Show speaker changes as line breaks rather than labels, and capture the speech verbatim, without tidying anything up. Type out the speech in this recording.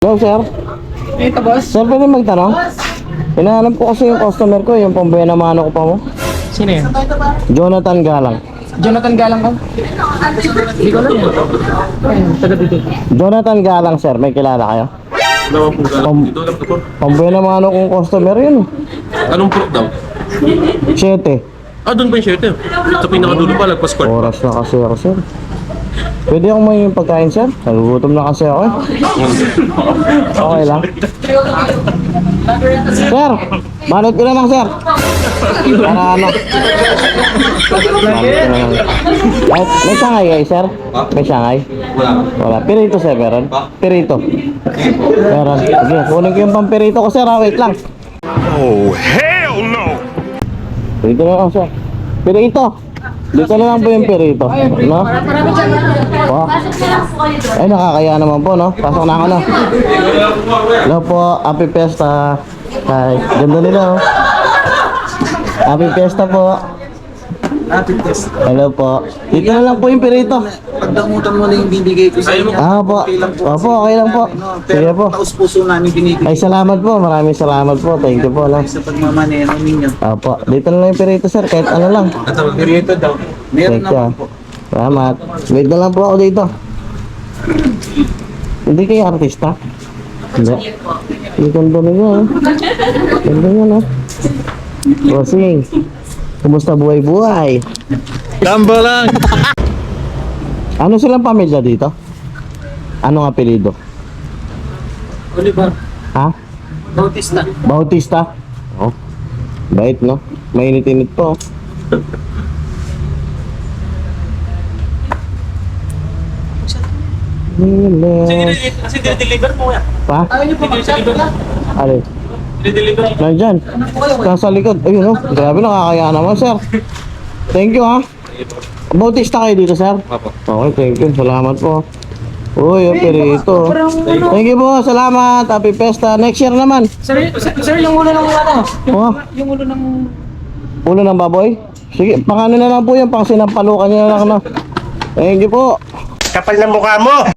Hello, sir.
Ito, boss.
Sir, pwede magtanong? Hinahanap ko kasi yung customer ko, yung pambuya na mano ko pa mo.
Sino yan?
Jonathan Galang.
Jonathan Galang ka? Hindi ko alam yan. Ayun, taga dito.
Jonathan Galang, sir. May kilala kayo?
Dalawa po galang
Pam-
dito lang po.
Pambuya na mano kong customer yun.
Anong proof daw?
Siyete.
Ah, doon pa yung shirt eh. Sa pinakadulo pa, lagpas court.
Oras na kasi ako, sir. Pwede akong may pagkain, sir? Nagugutom na kasi ako eh. Okay lang. Sir, manot ko naman, sir. Para ano? Manot ko naman. May, may sangay kayo, sir? May sangay?
Wala.
Wala. Pirito, sir, meron? Pirito. Meron. Sige, kunin ko yung pampirito ko, sir. Ha? Wait lang.
Oh, hell no!
Pirito na lang, sir. Pirito. Dito na lang po yung pirito. No? Po. Ay, nakakaya naman po, no? Pasok na ako, no? Hello po. Happy Fiesta. Hi. Ganda nila, oh. Happy Fiesta po.
Happy test.
Hello po. Dito na lang po yung pirito.
Pagdamutan mo na yung bibigay ko sa inyo.
Ah, po.
Okay lang po.
Opo, okay lang po.
No,
Sige
pero
po.
taos puso namin binibigay
Ay, salamat po. Maraming salamat po. Thank you po, no?
sa pagmamanero ninyo.
Opo. Dito na lang yung pirito, sir. Kahit ano lang.
At ang periodo daw. Meron
Thank you.
naman po.
Salamat. Wait na lang po ako dito. Hindi kayo artista? Hindi. Ang ganda niya, eh. Ganda niya, no? Bossing. Kumusta buhay-buhay?
Tamba lang!
Ano silang pamilya dito? Anong apelido?
Oliver,
Ha?
Bautista.
Bautista? Oh. Bait, no? Mainit-init po.
Kasi deliver mo yan.
Pa?
Ayaw niyo po mag-chat ka?
Alin?
Deliver mo.
Nandyan. Nasa likod. Ayun, oh. Grabe, nakakaya naman, sir. Thank you, ha? Bautista kayo dito, sir?
Apo.
Okay, thank you. Salamat po. Uy, yung pirito. Thank you po. Salamat. Happy Fiesta. Next year naman.
Sir, sir, sir, yung ulo ng ano? Yung,
Oh,
yung ulo ng...
ulo ng baboy? Sige, pang ano na lang po yan. Pang sinampalukan niya na lang, no? Thank you po.
Kapal ng mukha mo!